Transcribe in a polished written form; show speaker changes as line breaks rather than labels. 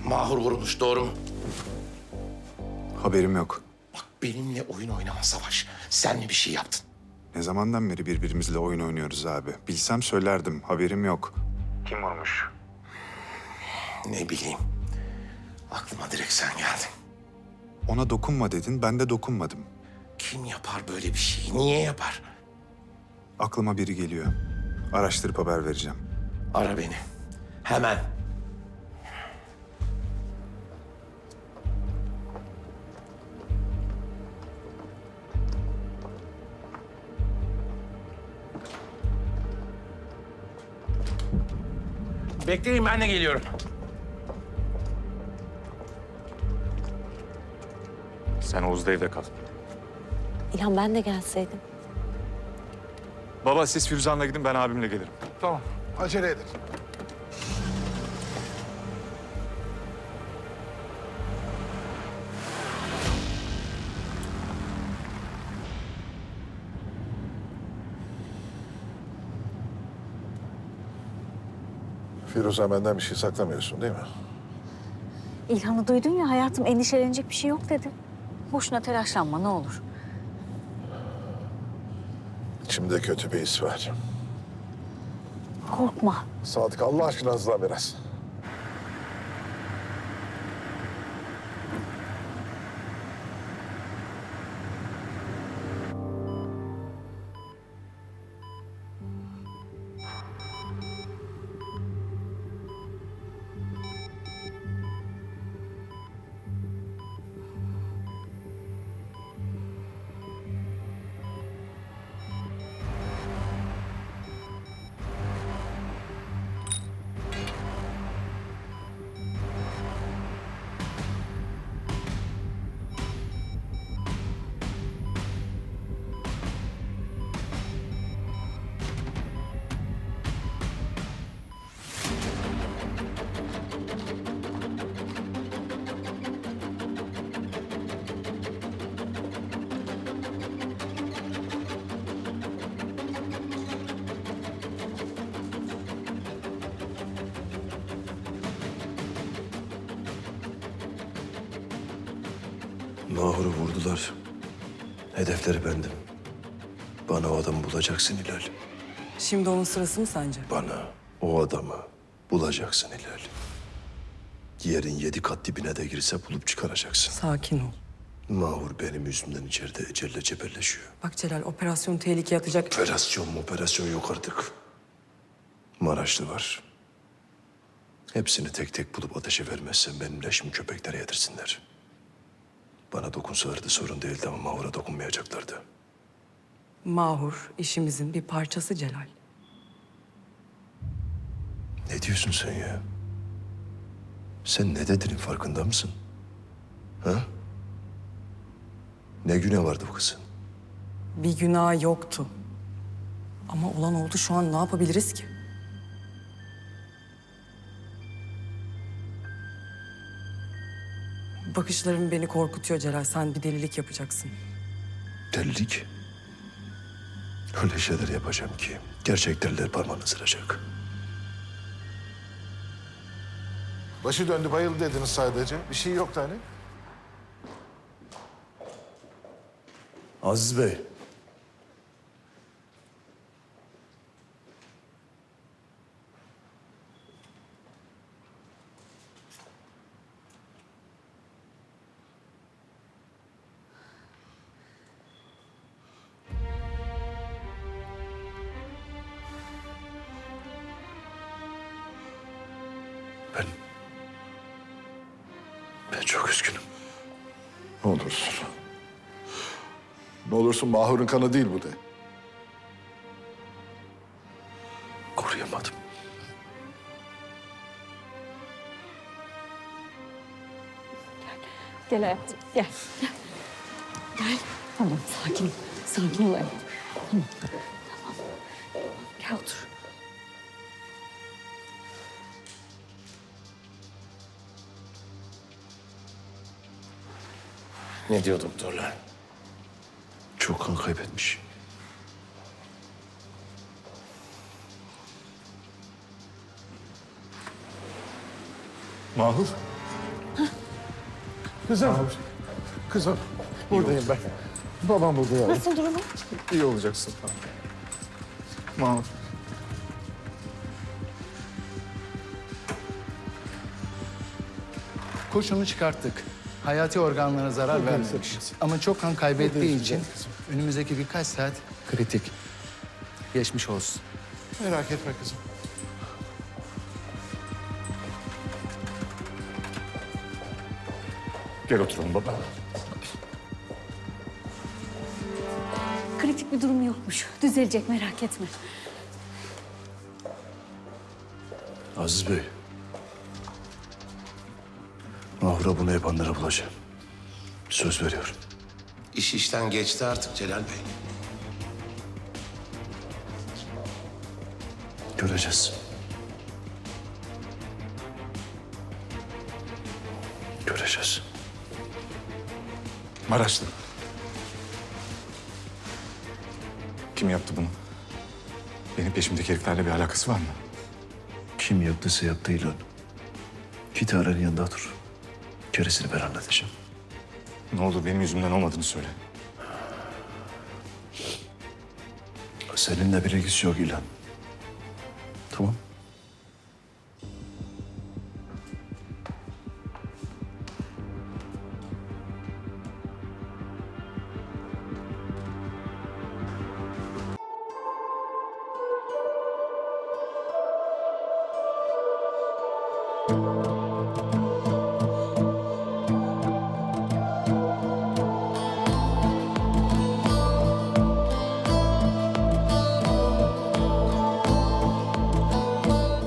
Mahur vurulmuş, doğru mu?
Haberim yok.
Bak benimle oyun oynama Savaş. Sen mi bir şey yaptın?
Ne zamandan beri birbirimizle oyun oynuyoruz abi? Bilsem söylerdim. Haberim yok. Kim vurmuş?
Ne bileyim. Aklıma direkt sen geldin.
Ona dokunma dedin, ben de dokunmadım.
Kim yapar böyle bir şeyi? Niye yapar?
Aklıma biri geliyor. Araştırıp haber vereceğim.
Ara beni. Hemen. Bekleyin, ben de geliyorum.
Sen Oğuz'da evde kal.
İlhan ben de gelseydim.
Baba siz Firuzan'la gidin, ben abimle gelirim.
Tamam, acele edin. Firuze, benden bir şey saklamıyorsun değil mi?
İlhan'ı duydun ya hayatım, endişelenecek bir şey yok dedi. Boşuna telaşlanma ne olur.
İçimde kötü bir his var.
Korkma.
Sadık, Allah aşkına hızlan biraz.
Mahur'u vurdular. Hedefleri bendim. Bana o adamı bulacaksın Hilal.
Şimdi onun sırası mı sence?
Bana o adamı bulacaksın Hilal. Yerin 7 kat dibine de girse bulup çıkaracaksın.
Sakin ol.
Mahur benim yüzümden içeride ecelle cebelleşiyor.
Bak Celal, operasyon tehlikeye atacak.
Operasyon yok artık. Maraşlı var. Hepsini tek tek bulup ateşe vermezsen benim leşimi köpeklere yedirsinler. Bana dokunsalardı sorun değildi ama Mahur'a dokunmayacaklardı.
Mahur işimizin bir parçası Celal.
Ne diyorsun sen ya? Sen ne dediğinin farkında mısın? Ha? Ne günah vardı bu kızın?
Bir günah yoktu. Ama olan oldu, şu an ne yapabiliriz ki? Bakışların beni korkutuyor Celal. Sen bir delilik yapacaksın.
Delilik. Öyle şeyler yapacağım ki gerçek deliler parmağını ısıracak.
Başı döndü, bayıldı dediniz sadece. Bir şey yoktu hani.
Aziz Bey. Ben... Ben çok üzgünüm.
Ne olursun. Ne olursun, Mahur'un kanı değil bu de.
Koruyamadım.
Gel hayatım gel. Gel. Tamam sakin ol. Sakin ol hayatım. Tamam. Tamam. Gel otur.
Ne diyor doktorlar?
Çok kan kaybetmiş.
Mahur,
Kızım. Kızım. Buradayım ben. Babam burada ya.
Nasıl durumu?
İyi olacaksın. Mahur.
Kurşunu çıkarttık. Hayati organlarına zarar vermemiş. Ama çok kan kaybettiği için önümüzdeki birkaç saat kritik. Geçmiş olsun.
Merak etme kızım.
Gel oturalım baba.
Kritik bir durum yokmuş. Düzelecek, merak etme.
Aziz Bey. Mahur'a bunu yapanları bulacağım. Söz veriyorum.
İş işten geçti artık Celal Bey.
Göreceğiz. Göreceğiz.
Maraşlı. Kim yaptı bunu? Benim peşimdeki heriflerle bir alakası var mı?
Kim yaptıysa yaptı İlhan. Git Aren'in yanında dur. Gerisini ben halledeceğim.
Ne olur benim yüzümden olmadığını söyle.
Seninle bir ilgisi yok İlhan. Tamam.